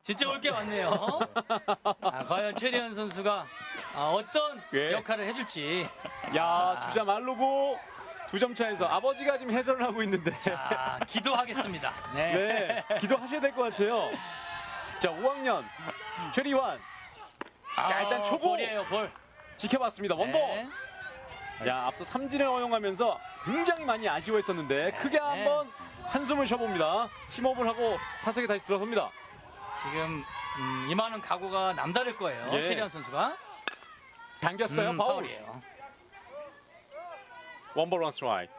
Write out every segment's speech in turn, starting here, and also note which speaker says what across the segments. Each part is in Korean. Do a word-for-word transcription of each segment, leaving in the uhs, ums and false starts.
Speaker 1: 진짜 올 게 많네요. 아, 과연 최리현 선수가 아, 어떤
Speaker 2: 예.
Speaker 1: 역할을 해줄지.
Speaker 2: 야, 주자 말로고 두 점 차에서 아버지가 지금 해설을 하고 있는데.
Speaker 1: 자, 기도하겠습니다. 네.
Speaker 2: 네, 기도하셔야 될 것 같아요. 자, 오 학년 최리환. 자, 일단
Speaker 1: 아,
Speaker 2: 초고
Speaker 1: 볼이에요, 볼.
Speaker 2: 지켜봤습니다. 원볼.
Speaker 1: 네.
Speaker 2: 야, 앞서 삼진을 허용하면서 굉장히 많이 아쉬워했었는데 크게 한번 한숨을 쉬어봅니다. 심호흡을 하고 타석에 다시 들어섭니다.
Speaker 1: 지금 음, 임하는 각오가 남다를 거예요.
Speaker 2: 예.
Speaker 1: 최리현 선수가.
Speaker 2: 당겼어요.
Speaker 1: 음,
Speaker 2: 파울.
Speaker 1: 파울이에요.
Speaker 2: 원볼 원 스트라이크.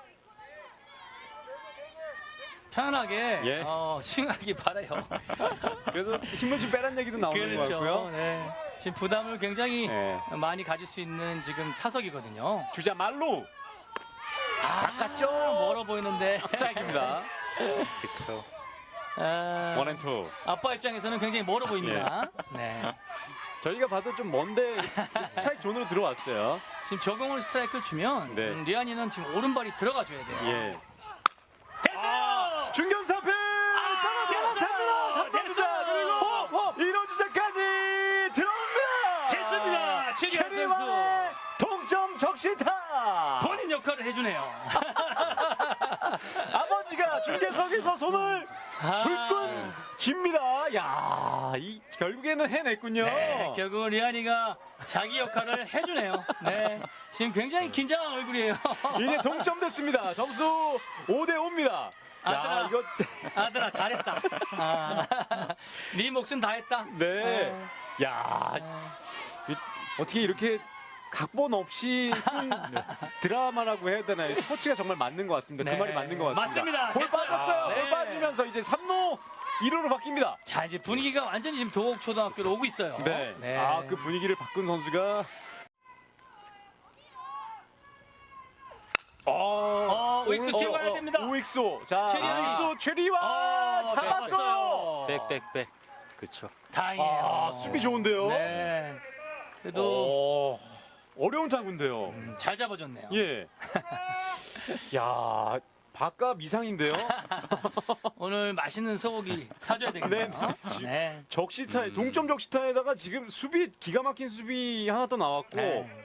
Speaker 1: 편안하게
Speaker 2: 예.
Speaker 1: 어, 스윙하기 바라요.
Speaker 2: 그래서 힘을 좀 빼란 얘기도 나오는 것 같고요.
Speaker 1: 네. 지금 부담을 굉장히
Speaker 2: 네.
Speaker 1: 많이 가질 수 있는 지금 타석이거든요.
Speaker 2: 주자 말로
Speaker 1: 아,
Speaker 2: 바깥쪽.
Speaker 1: 멀어 보이는데.
Speaker 2: 스트라이크입니다. 그렇죠.
Speaker 1: 아,
Speaker 2: 원앤투.
Speaker 1: 아빠 입장에서는 굉장히 멀어 보입니다.
Speaker 2: 예.
Speaker 1: 네.
Speaker 2: 저희가 봐도 좀 먼데 스트라이크 존으로 들어왔어요.
Speaker 1: 지금 적용을 스트라이크를 주면
Speaker 2: 네.
Speaker 1: 음, 리안이는 지금 오른발이 들어가 줘야 돼요.
Speaker 2: 예.
Speaker 1: 됐어요!
Speaker 2: 중견사패 떨어집니다. 삼 번 주자 그리고 일 호 주자까지 들어옵니다.
Speaker 1: 됐습니다. 최리환 선수.
Speaker 2: 최리환의 동점 적시타.
Speaker 1: 본인 역할을 해주네요.
Speaker 2: 아버지가 중계석에서 손을
Speaker 1: 아.
Speaker 2: 불끈 쥡니다. 야, 이 결국에는 해냈군요.
Speaker 1: 네, 결국은 리안이가 자기 역할을 해주네요. 네, 지금 굉장히 긴장한 얼굴이에요.
Speaker 2: 이제 동점됐습니다. 점수 오 대 오입니다.
Speaker 1: 아들아.
Speaker 2: 야, 이거
Speaker 1: 아들아 잘했다. 아, 네 몫은 다 했다.
Speaker 2: 네. 야,
Speaker 1: 아,
Speaker 2: 이- 어떻게 이렇게 각본 없이 쓴 드라마라고 해야 되나요? 스포츠가 정말 맞는 것 같습니다.
Speaker 1: 네.
Speaker 2: 그 말이 맞는 것 같습니다.
Speaker 1: 맞습니다.
Speaker 2: 볼
Speaker 1: 됐어요.
Speaker 2: 빠졌어요.
Speaker 1: 네.
Speaker 2: 볼 빠지면서 이제 삼 루 일 루로 바뀝니다.
Speaker 1: 자 이제 분위기가 완전히 지금 도곡초등학교로 오고 있어요.
Speaker 2: 네. 아, 그 분위기를 바꾼 선수가 어,
Speaker 1: 어, 오익수 뒤로 가야 됩니다.
Speaker 2: 오익수. 자,
Speaker 1: 최리환.
Speaker 2: 오익수 최리환
Speaker 1: 어,
Speaker 2: 잡았어요.
Speaker 3: 백백백. 그렇죠.
Speaker 1: 다행이에요.
Speaker 2: 아, 수비 좋은데요.
Speaker 1: 네. 그래도
Speaker 2: 오, 어려운 타구인데요.
Speaker 1: 음, 잘 잡아줬네요.
Speaker 2: 예. 야, 바깥 미상인데요.
Speaker 1: 오늘 맛있는 소고기 사줘야 되겠네요.
Speaker 2: 네, 네.
Speaker 1: 네.
Speaker 2: 적시타에 동점 적시타에다가 지금 수비 기가 막힌 수비 하나 또 나왔고
Speaker 1: 네.